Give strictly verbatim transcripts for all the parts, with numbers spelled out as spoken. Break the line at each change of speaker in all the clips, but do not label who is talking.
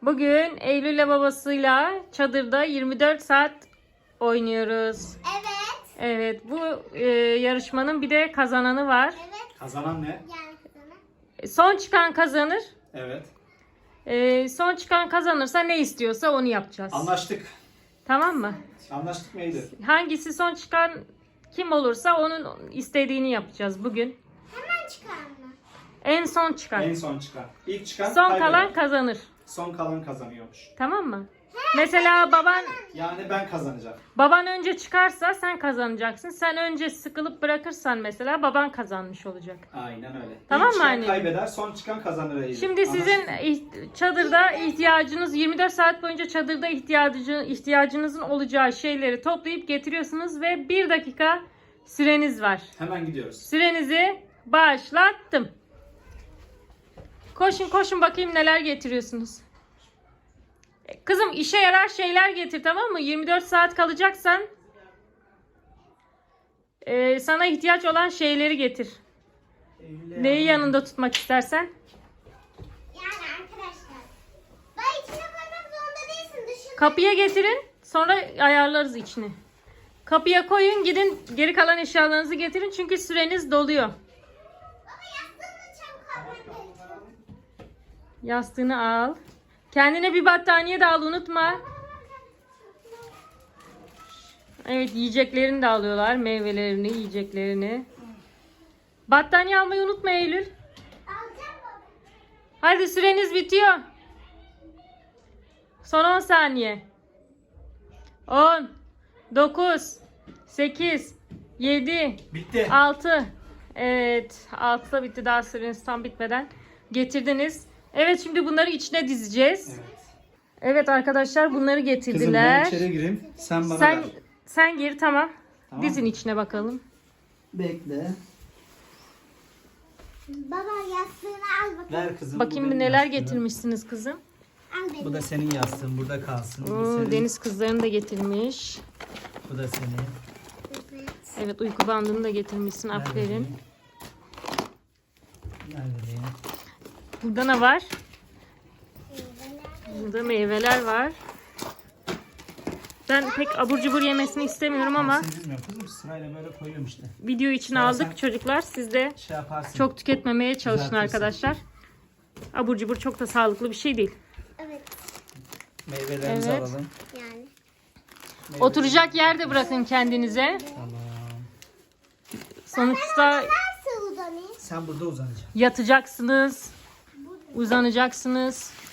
Bugün Eylül'le babasıyla çadırda yirmi dört saat oynuyoruz.
Evet.
Evet, bu e, yarışmanın bir de kazananı var.
Evet.
Kazanan ne?
Yani sana.
Son çıkan kazanır.
Evet.
E, son çıkan kazanırsa ne istiyorsa onu yapacağız.
Anlaştık.
Tamam mı?
Anlaştık mıydı?
Hangisi son çıkan kim olursa onun istediğini yapacağız bugün.
Hemen çıkar mı?
En son çıkan.
En son çıkan. İlk çıkan
Son
kaybeder.
kalan kazanır.
Son kalan kazanıyormuş.
Tamam mı? Mesela baban
Yani ben kazanacağım.
baban önce çıkarsa sen kazanacaksın. Sen önce sıkılıp bırakırsan mesela baban kazanmış olacak.
Aynen öyle.
Tamam
İlk
mı
çıkan
anneciğim?
kaybeder, son çıkan kazanır. Eylül.
Şimdi sizin
Anlaştık.
iht- çadırda ihtiyacınız yirmi dört saat boyunca çadırda ihtiyacı, ihtiyacınızın olacağı şeyleri toplayıp getiriyorsunuz ve bir dakika süreniz var.
Hemen gidiyoruz.
Sürenizi başlattım. Koşun koşun bakayım neler getiriyorsunuz. Kızım işe yarar şeyler getir, tamam mı? yirmi dört saat kalacaksan e, sana ihtiyaç olan şeyleri getir. Neyi yanında tutmak istersen.
Yani arkadaşlar. Ben içine koymak zorunda değilsin. Dışında.
Kapıya getirin, sonra ayarlarız içini. Kapıya koyun, gidin geri kalan eşyalarınızı getirin çünkü süreniz doluyor.
Baba yastığını çabuk alman gerekiyor.
Yastığını al. Kendine bir battaniye de al, unutma. Evet, yiyeceklerini de alıyorlar. Meyvelerini, yiyeceklerini. Battaniye almayı unutma Eylül.
Alacağım baba.
Hadi süreniz bitiyor. Son on saniye. on, dokuz, sekiz, yedi,
Bitti.
altı. Evet, altıda bitti, daha süreniz tam bitmeden getirdiniz. Evet, şimdi bunları içine dizeceğiz.
Evet.
Evet arkadaşlar, bunları
Kızım ben
getirdiler.
içeri gireyim. Sen bana
Sen
ver.
sen gir, tamam.
Tamam
Dizin
mı?
içine bakalım.
Bekle.
Baba yastığını al bakayım.
Ver kızım. bu
Bakayım bir
benim
neler
yastığım.
getirmişsiniz kızım.
Al beni.
Bu da senin yastığın. Burada kalsın. Bu
Oo,
senin.
deniz kızlarını da getirmiş.
Bu da senin.
Evet.
Evet, uyku bandını da getirmişsin.
Ver
Aferin.
vereyim. Ver vereyim.
Burada ne var? Burada meyveler var. Ben pek abur cubur yemesini istemiyorum ama
Sen bilmiyorum kızım. Sırayla böyle koyuyorum işte.
video için
Sonra
aldık
sen-
çocuklar. Siz de
Şey yaparsın.
çok tüketmemeye çalışın
Düzeltirsin.
arkadaşlar. Abur cubur çok da sağlıklı bir şey değil.
Evet.
Meyvelerimizi
Evet.
alalım.
Yani.
Oturacak yer de bırakın kendinize.
Tamam.
Sonuçta
Nasıl uzanayım?
Sen burada uzanacaksın.
yatacaksınız, uzanacaksınız.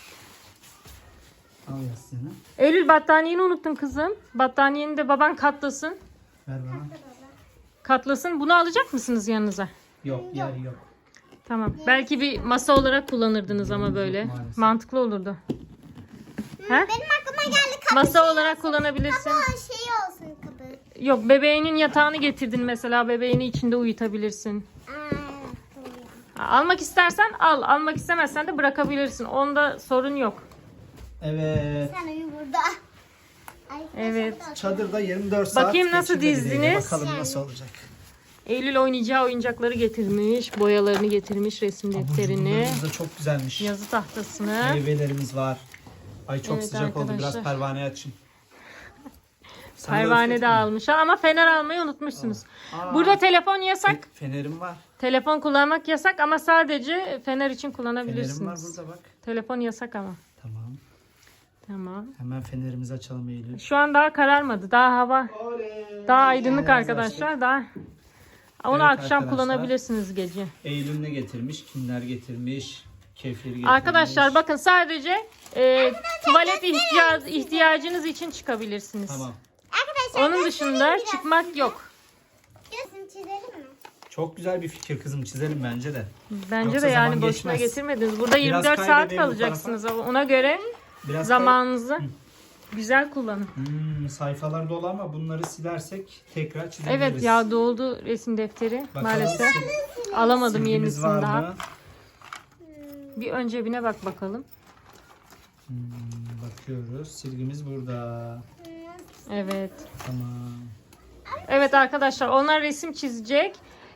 Al yastığını.
Eylül, battaniyeni unuttun kızım. Battaniyeni de baban katlasın.
Ver bana.
Katlasın. Bunu alacak mısınız yanınıza?
Yok yer yok.
Tamam. Belki bir masa olarak kullanırdınız ama böyle.
maalesef.
Mantıklı olurdu. He?
Benim aklıma geldi kapı.
Masa olarak kullanabilirsin.
Kapı şey olsun kapı.
Yok, bebeğinin yatağını getirdin mesela. Bebeğini içinde uyutabilirsin.
Aa,
Ha, almak istersen al. Almak istemezsen de bırakabilirsin. Onda sorun yok.
Evet.
sen uyu burada. Ay,
Evet.
Çadırda yirmi dört saat
Bakayım nasıl
geçirdi bileğiyle.
dizdiniz?
Bakalım nasıl olacak.
Eylül oynayacağı oyuncakları getirmiş. Boyalarını getirmiş. Resim defterini.
Abur da çok güzelmiş.
Yazı tahtasını.
Meyvelerimiz var. Ay çok
Evet
sıcak oldu. Biraz
arkadaşlar.
pervane açayım. Sen
Pervane de
ısıtma.
almışlar ama fener almayı unutmuşsunuz.
Aa.
Burada telefon yasak.
Fe- Fenerim var.
Telefon kullanmak yasak ama sadece fener için
Fenerim var
kullanabilirsiniz.
burada bak.
Telefon yasak ama.
Tamam.
Tamam.
Hemen fenerimizi açalım Eylül.
Şu an daha kararmadı. Daha hava
Oley.
daha aydınlık
Fenerimizi
arkadaşlar.
açtık.
Daha onu
Evet
akşam
arkadaşlar.
kullanabilirsiniz gece.
Eylül ne getirmiş? Kimler getirmiş? Kefir getirmiş.
Arkadaşlar bakın, sadece e, tuvalet ihtiyac, ihtiyacınız için çıkabilirsiniz.
Tamam.
Arkadaşlar
Onun dışında çıkmak yok.
Gözünü çizelim mi?
Çok güzel bir fikir kızım. Çizelim bence de.
Bence
Yoksa
de yani
zaman
boşuna
geçmez.
getirmediniz. Burada yirmi dört saat
kaybedelim bu
kalacaksınız ama ona göre
Biraz
zamanınızı güzel kullanın.
Hmm, sayfalar dolu ama bunları silersek tekrar çizebiliriz.
Evet ya, doldu resim defteri
Bakalım
maalesef.
sil-
Alamadım
silgimiz
yenisini
var
daha.
mı?
Bir ön cebine bak bakalım.
Hmm, bakıyoruz. Silgimiz burada.
Evet.
Tamam.
Evet arkadaşlar, onlar resim çizecek.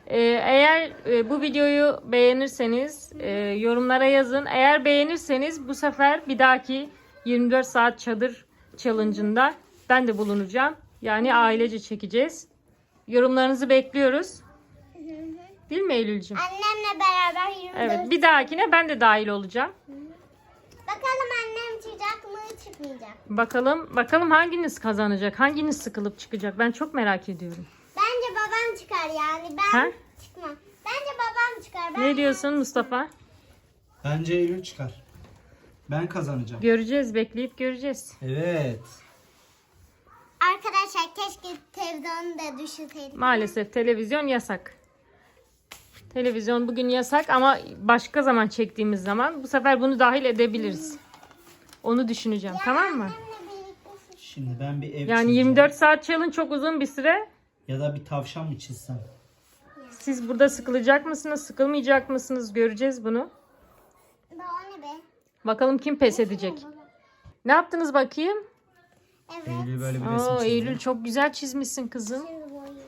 Ee, eğer e, bu videoyu beğenirseniz e, yorumlara yazın. Eğer beğenirseniz bu sefer bir dahaki yirmi dört saat çadır challenge'ında ben de bulunacağım. Yani ailece çekeceğiz. Yorumlarınızı bekliyoruz. Değil mi Eylül'cüğüm?
Annemle beraber yirmi dört.
Evet, bir dahakine ben de dahil olacağım.
Bakalım annem çıkacak mı çıkmayacak.
Bakalım bakalım hanginiz kazanacak? Hanginiz sıkılıp çıkacak? Ben çok merak ediyorum.
Bence babam çıkar yani. Ben
Ha?
çıkmam. Bence babam çıkar. Ben
Ne diyorsun Mustafa?
Bence Eylül çıkar. Ben kazanacağım.
Göreceğiz, bekleyip göreceğiz.
Evet.
Arkadaşlar keşke televizyonu da düşürseydik.
Maalesef televizyon yasak. Televizyon bugün yasak ama başka zaman çektiğimiz zaman bu sefer bunu dahil edebiliriz. Onu düşüneceğim, tamam mı?
Annemle birlikte
Şimdi ben bir ev
Yani
çizeceğim.
yirmi dört saat challenge çok uzun bir süre.
Ya da bir tavşan mı çizsem?
Siz burada sıkılacak mısınız, sıkılmayacak mısınız? Göreceğiz bunu.
Bu o ne be?
Bakalım kim pes edecek. Ne yaptınız bakayım?
Evet.
Eylül böyle bir resim
Oo,
çizdi.
Eylül çok güzel çizmişsin kızım.
Şimdi boyayayım.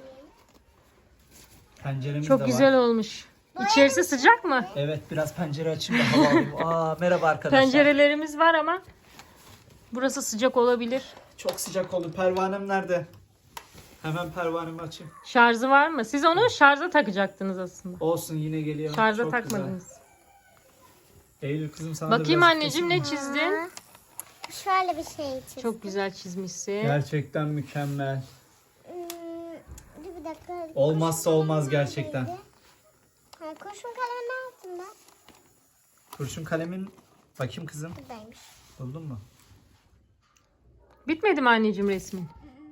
Çok
Penceremiz de var.
güzel olmuş. İçerisi sıcak mı?
Evet, biraz pencere açayım da hava alayım. Aa, merhaba arkadaşlar.
Pencerelerimiz var ama burası sıcak olabilir.
Çok sıcak oldu. Pervanem nerede? Hemen pervanemi açayım.
Şarjı var mı? Siz onu şarja takacaktınız aslında.
Olsun, yine geliyor.
Şarja
Çok
takmadınız.
Güzel. Eylül kızım sana da
Bakayım
biraz
anneciğim ne
keseyim mi?
çizdin?
Şöyle bir şey çizdim.
Çok güzel çizmişsin.
Gerçekten mükemmel.
Hmm, dur bir dakika.
Olmazsa
Kurşun
olmaz
kalem
gerçekten.
neredeydi? Ha, kurşun kalemi ne yaptım ben?
Kurşun kalemin bakayım kızım.
Buradaymış.
Buldun mu?
Bitmedi mi anneciğim resmin?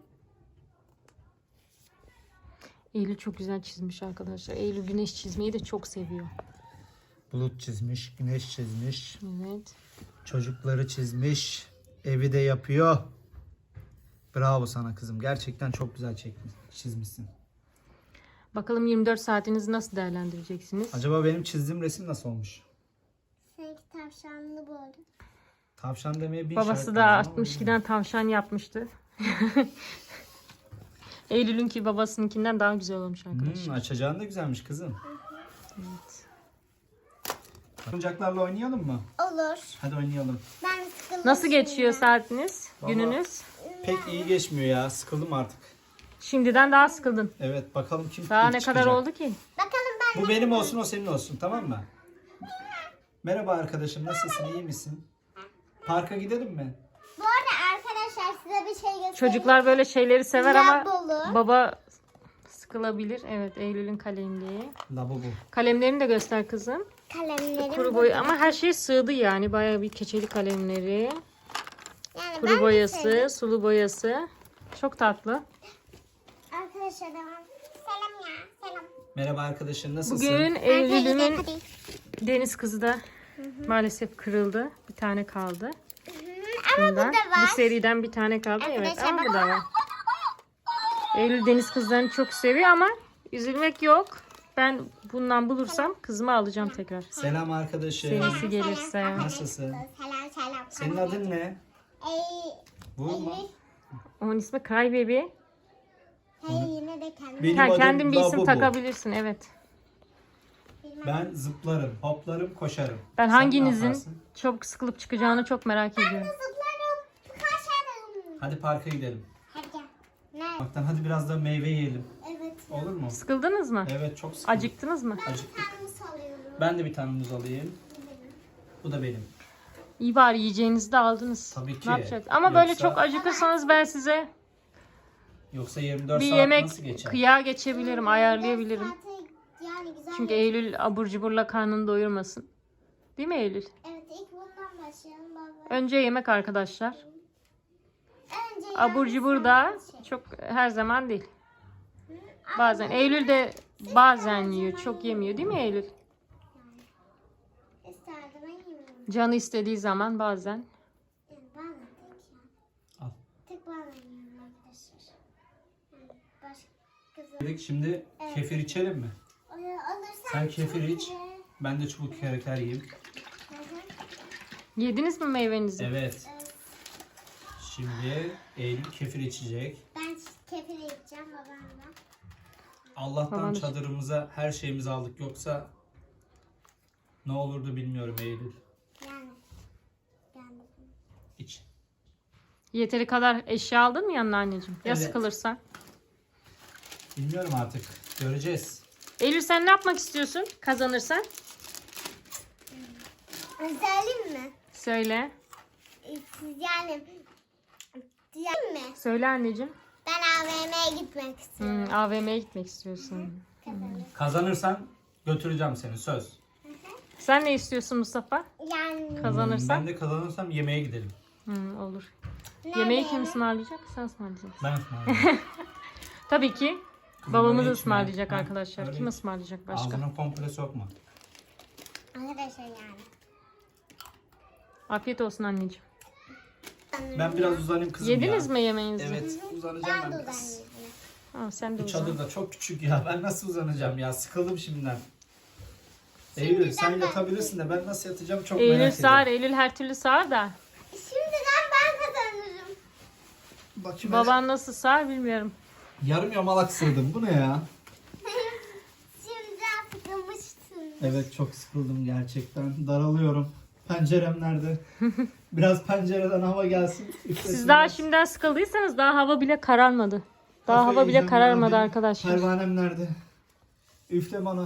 Eylül çok güzel çizmiş arkadaşlar. Eylül güneş çizmeyi de çok seviyor.
Bulut çizmiş, güneş çizmiş,
Evet.
çocukları çizmiş, evi de yapıyor. Bravo sana kızım. Gerçekten çok güzel çekmiş, çizmişsin.
Bakalım yirmi dört saatinizi nasıl değerlendireceksiniz?
Acaba benim çizdiğim resim nasıl olmuş?
Seninki tavşanlı böyle.
Tavşan demeye bir
Babası
işaret
da
lazım ama
altmış ikiden tavşan yapmıştı. Eylül'ünki babasınınkinden daha güzel olmuş arkadaşlar.
Hmm, açacağın da güzelmiş kızım.
Evet.
Oyuncaklarla oynayalım mı?
Olur.
Hadi oynayalım.
Ben sıkıldım.
Nasıl geçiyor
şimdi.
saatiniz,
Vallahi-
gününüz?
Pek iyi geçmiyor ya. Sıkıldım artık.
Şimdiden daha sıkıldın.
Evet, bakalım kim
Daha
ilk
ne kadar
çıkacak.
oldu ki?
Bakalım ben
Bu benim olsun, o senin olsun, tamam mı? Merhaba arkadaşım, nasılsın, iyi misin? Parka gidelim mi?
Bu arada arkadaşlar size bir şey göstereyim.
Çocuklar böyle şeyleri sever ama
Lavabolu.
baba sıkılabilir. Evet, Eylül'ün kalemliği.
Lavabo.
Kalemlerini de göster kızım.
Kalemlerim.
Kuru boy ama her şey sığdı yani. Bayağı bir keçeli kalemleri.
Yani ben
Kuru
de
boyası,
sevdim.
sulu boyası. Çok tatlı.
Arkadaşlar devam. Selam ya. Selam.
Merhaba arkadaşım, nasılsın?
Bugün
Hadi
Eylül'ümün
hadi.
deniz kızı da maalesef kırıldı. Bir tane kaldı.
Hı, Ama
Bundan.
bu da var.
Bu seriden bir tane kaldı. Evet
Arkadaşlar
ama bu
bak-
da var. Eylül deniz kızlarını çok seviyor ama üzülmek yok. Ben bundan bulursam kızımı alacağım tekrar.
Selam arkadaşım.
Senesi gelirse.
Nasılsın?
Selam selam.
Senin adın ne?
Ey,
Bu mu?
Onun ismi Cry Baby.
hey yine de kendim.
Benim
Ha,
adım
kendin bir isim
Lavabo.
takabilirsin evet.
Ben zıplarım, hoplarım, koşarım.
Ben
Sen ne
hanginizin
yaparsın?
çok sıkılıp çıkacağını çok merak ediyorum.
Zıplarım. Kaçarım.
Hadi parka gidelim.
Hadi gel. Nerede?
Baktan hadi biraz da meyve yiyelim.
Evet.
Olur mu?
Sıkıldınız mı?
Evet, çok sıkıldım.
Acıktınız mı?
Acıktık.
Kendimi salıyorum.
Ben de bir tane muz alayım. Bu da benim.
İyi bari yiyeceğinizi de aldınız.
Tabii ki.
Ne yapacağız? Ama böyle
Yoksa-
çok acıkırsanız ben size
Yoksa yirmi dört
bir
saat
yemek
nasıl geçer?
kıya geçebilirim, ayarlayabilirim.
Saate yani güzel.
Çünkü Eylül abur cuburla karnını doyurmasın. Değil mi Eylül?
Evet ilk bundan başlayalım baba.
Önce yemek arkadaşlar.
Önce
Abur
yani
cubur da
sen-
çok her zaman değil. Bazen. Eylül de bazen yiyor. Çok yemiyor değil mi Eylül?
İsterdim ben yemiyorum.
Canı istediği zaman bazen.
Yani bazen tek yani.
Al.
Tek bazen yiyorum arkadaşlar. Yani başka kızım.
Dedik, şimdi kefir içelim mi?
Alırsan
Sen kefir
çok
iç.
güzel.
Ben de çubuk kraker yiyeyim.
Hı hı.
Yediniz mi meyvenizi?
Evet. Şimdi Eylül kefir içecek.
Ben kefir yiyeceğim babamla.
Allah'tan
Baban da-
çadırımıza her şeyimizi aldık. Yoksa ne olurdu bilmiyorum Eylül.
Yani. Yani.
İç.
Yeteri kadar eşya aldın mı yanına anneciğim? Ya
Evet.
sıkılırsan?
Bilmiyorum artık. Göreceğiz.
Eylül sen ne yapmak istiyorsun kazanırsan?
Söyleyeyim mi?
Söyle.
Ee, Siz yani. Diyeyim mi?
Söyle anneciğim.
Ben A V M'ye gitmek istiyorum.
Hmm, A V M'ye gitmek istiyorsun.
Kazanırım.
Kazanırsan götüreceğim seni, söz.
Sen ne istiyorsun Mustafa?
Yani.
Kazanırsan?
Ben de kazanırsam yemeğe gidelim.
Hmm, olur.
Nerede
Yemeği kim
yemek?
ısmarlayacak? Sen ısmarlayacaksın.
Ben ısmarlayayım.
Tabii ki
Kızım,
babamız
öyle içme.
ısmarlayacak
Ha,
arkadaşlar.
öyle
Kim
iç.
ısmarlayacak başka?
Ağzına komple sokma.
Arkadaşlar yani.
Afiyet olsun anneciğim.
Ben biraz uzanayım kızım
Yediniz
ya.
mi yemeğinizi?
Evet, uzanacağım
Ben
ben
de
biraz.
uzanıyorum.
Tamam, sen de
Bu
uzan.
çadır da çok küçük ya. Ben nasıl uzanacağım ya? Sıkıldım şimdiden.
Şimdiden
Eylül sen
ben-
yatabilirsin de ben nasıl yatacağım çok
Eylül
merak
sağır,
ediyorum.
Eylül her türlü sağır da.
Şimdiden ben kazanırım.
Bakayım.
Baban nasıl sağır bilmiyorum.
Yarım yamalak sığdım. Bu ne ya?
Şimdiden sıkılmıştım.
Evet çok sıkıldım gerçekten. Daralıyorum. Pencerem nerede? Biraz pencereden hava gelsin.
Siz daha şimdiden sıkıldıysanız daha hava bile kararmadı. Daha
Kafayı
hava bile
yiyeceğim
kararmadı
ya.
arkadaşlar.
Pervanem nerede? Üfle bana.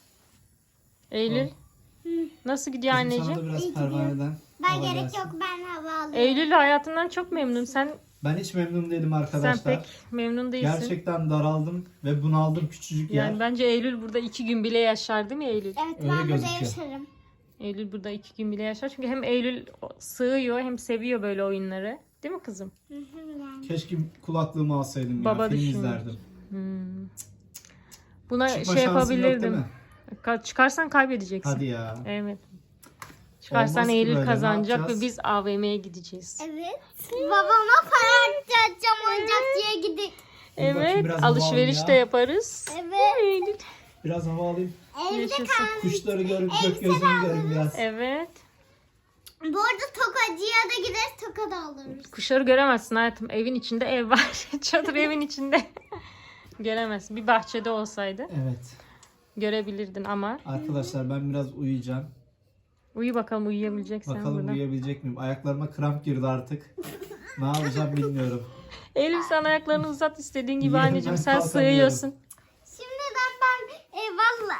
Eylül nasıl gidiyor
Kızım sana
anneciğim?
da biraz
İyi
pervaneden
Ben
hava
gerek
gelsin.
yok ben hava alıyorum.
Eylül hayatından çok memnun. Sen
Ben hiç memnun değilim
sen
arkadaşlar.
pek memnun değilsin.
Gerçekten daraldım ve bunaldım küçücük yer.
Yani bence Eylül burada iki gün bile yaşar değil mi Eylül?
Evet
Öyle
ben burada
gözüküyor.
yaşarım.
Eylül burada iki gün bile yaşar. Çünkü hem Eylül sığıyor hem seviyor böyle oyunları. Değil mi kızım?
Hı hı yani.
Keşke kulaklığımı alsaydım
Baba
ya. Film
düşünüyor.
izlerdim.
Hmm. Buna
Çıkma
şey
şansım yok değil
yapabilirdim.
mi?
Ka- Çıkarsan kaybedeceksin.
Hadi ya.
Evet. Çıkarsan
Olmaz ki
Eylül
böyle, ne
kazanacak ve
yapacağız?
biz A V M'ye gideceğiz.
Evet. Babama para harcayacağım oyuncakçıya gidip.
Dur bakayım,
Evet,
biraz hava
alışveriş
alayım
de
ya.
yaparız.
Evet.
Eylül.
Biraz hava alayım.
Evde
Yaşasın.
kal.
Kuşları görüp
Elbise
gökyüzünü
de
görün biraz.
Evet.
Bu arada tokacıya da gideriz toka da alırız.
Kuşları göremezsin hayatım. Evin içinde ev var. Çadır evin içinde. Göremezsin. Bir bahçede olsaydı
Evet.
görebilirdin ama.
Arkadaşlar ben biraz uyuyacağım.
Uyu bakalım uyuyabileceksen
Bakalım
burada.
uyuyabilecek miyim? Ayaklarıma kramp girdi artık. Ne yapacağım bilmiyorum.
Eylül sen ayaklarını uzat istediğin gibi
Yerimden
anneciğim. Sen
kalkamıyorum.
sığıyorsun.
Şimdiden ben e, valla.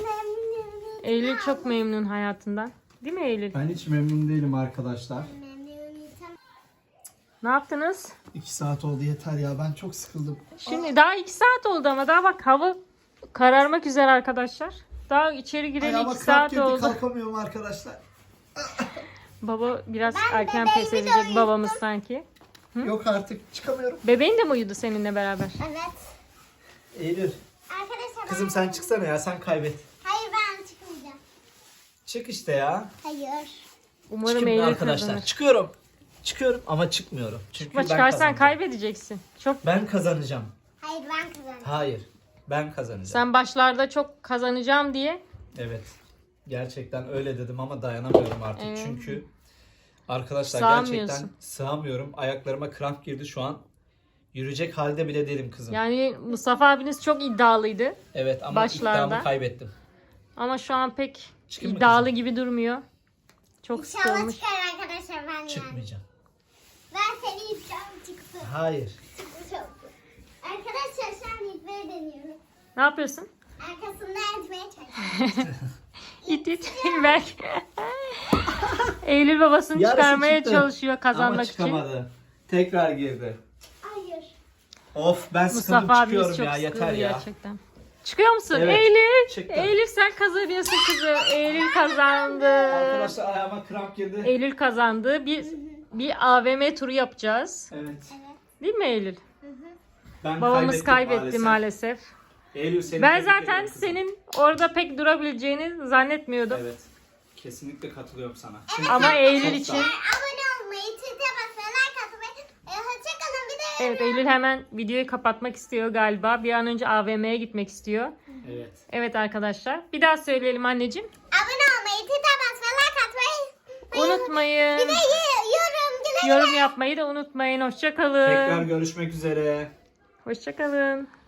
Eylül çok memnun hayatından. Değil mi Eylül?
Ben hiç memnun değilim arkadaşlar.
Ne yaptınız?
İki saat oldu yeter ya. Ben çok sıkıldım.
Şimdi daha iki saat oldu ama daha bak hava kararmak üzere arkadaşlar. Daha içeri gireli
Ayağıma
iki
kramp
saat
girdi,
oldu.
kalkamıyorum arkadaşlar.
Baba biraz
Ben
erken
bebeğimi
pes
de
edecek
uyuttum.
babamız sanki.
Yok artık çıkamıyorum.
Bebeğin de mi uyudu seninle beraber?
Evet.
Eylül.
Arkadaşlar
Kızım
ben...
sen çıksana ya, sen kaybet.
Hayır ben çıkmayacağım.
Çık işte ya.
Hayır.
Umarım
Çıkın
Eylül
arkadaşlar.
kazanır.
Çıkıyorum. Çıkıyorum ama çıkmıyorum. Çünkü
Ama
ben
çıkarsan
kazanacağım.
kaybedeceksin. Çok
Ben kazanacağım.
Hayır ben kazanacağım.
Hayır. Ben kazanacağım.
sen başlarda çok kazanacağım diye.
Evet. Gerçekten öyle dedim ama dayanamıyorum artık.
Evet.
Çünkü arkadaşlar
Sığamıyorsun.
gerçekten sığamıyorum. Ayaklarıma kramp girdi şu an. Yürüyecek halde bile değilim kızım.
Yani Mustafa abiniz çok iddialıydı.
Evet ama
başlarda.
iddiamı kaybettim.
Ama şu an pek
Çıkayım mı
iddialı
kızım?
gibi durmuyor. Çok
İnşallah
sıkılmış.
çıkar arkadaşlar ben yani.
Çıkmayacağım.
Ben seni iddiam çıksın.
Hayır.
Çıkmış oldu. Arkadaşlar şu an itmeyi deniyorum.
Ne yapıyorsun?
Arkasından itmeye çalışıyorum.
İt it Berk. Eylül babasını
Yarısı
çıkarmaya
çıktı.
çalışıyor
Ama
kazanmak için.
çıkamadı. Tekrar girdi.
Hayır.
Of ben sıkıldım,
Mustafa abimiz
çıkıyorum
çok
ya,
sıkıldı
yeter ya.
gerçekten. Çıkıyor musun?
Evet,
Eylül.
çıktım.
Eylül sen kazanıyorsun kızı. Eylül kazandı.
Arkadaşlar ayağıma kramp girdi.
Eylül kazandı. Bir bir A V M turu yapacağız.
Evet.
Değil mi Eylül?
Ben
Babamız
kaybettim
kaybetti maalesef.
Eylül seni
Ben
tebrik
zaten
ediyorum kızım.
senin orada pek durabileceğini zannetmiyordum.
Evet. Kesinlikle katılıyorum sana.
Ama Eylül
Çok
için
sağ ol.
Abone olmayı, çete basmayı, like atmayı. E, hoşçakalın bir de.
evet Eylül hemen videoyu kapatmak istiyor galiba. Bir an önce A V M'ye gitmek istiyor.
Evet.
Evet arkadaşlar. Bir daha söyleyelim anneciğim.
Abone olmayı, çete basmayı, like atmayı.
Unutmayın.
Bir de y- yorum, güle güle.
Yorum yapmayı da unutmayın. Hoşça kalın.
Tekrar görüşmek üzere.
Hoşça kalın.